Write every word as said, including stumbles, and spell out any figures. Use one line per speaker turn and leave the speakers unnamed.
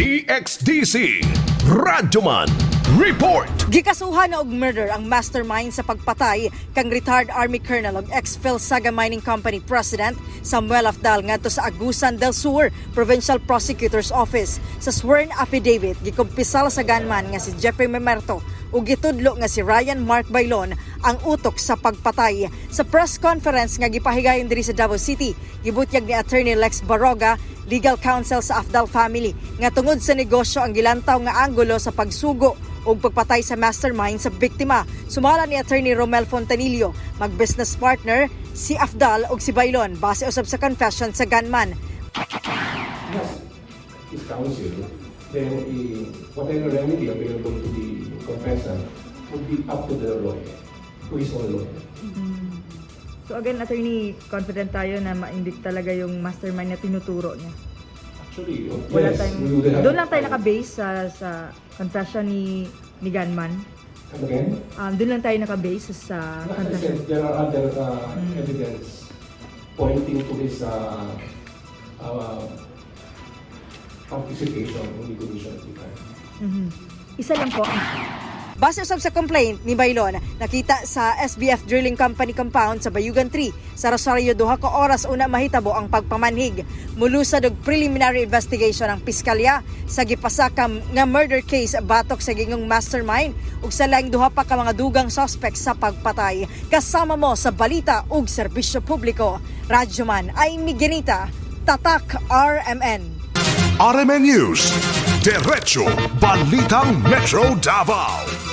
D X D C Radyoman Report.
Gikasuhan na og murder ang mastermind sa pagpatay kang retired Army Colonel ug ex-Phil Saga Mining Company President Samuel Afdal ngadto sa Agusan del Sur Provincial Prosecutor's Office. Sa sworn affidavit gikumpisal sa gunman nga si Jeffrey Memerto ug gitudlo nga si Ryan Mark Bailon ang utok sa pagpatay. Sa press conference nga gipahigayon diri sa Davao City, gibutyag ni Attorney Lex Baroga, legal counsel sa Afdal family, nga tungod sa negosyo ang gilantaw nga anggulo sa pagsugo ug pagpatay sa mastermind sa biktima. Sumala ni Attorney Romel Fontanillo, mag-business partner si Afdal ug si Bailon base usab sa confession sa gunman.
Yes, is counsel, then eh, whatever remedy available to the confessor would be up to the lawyer, to his own lawyer.
So again, attorney, confident tayo na ma-indict talaga yung mastermind na tinuturo niya.
Actually, oh,
Wala
yes,
tayong,
we would have-
doon lang tayo naka-base sa, sa confession ni, ni Gunman.
Come again?
Um, doon lang tayo naka-base sa
Like I
confession.
said, there are other uh, evidence pointing to his uh, uh, participation in the commission of the crime.
Mhm. Isa lang po.
Base usab sa complaint ni Bailon, nakita sa S B F Drilling Company compound sa Bayugan three sa Rosario duha ka oras una mahitabo ang pagpamanhig. Mulusad og preliminary investigation ang piskalya sa gipasakam nga murder case batok sa gingong mastermind ug sa laing duha pa ka mga dugang suspect sa pagpatay. Kasama mo sa balita ug serbisyo publiko. Radyoman ay Miguelita, Tatak R M N.
R M N News, Diretso Balitang Metro Davao.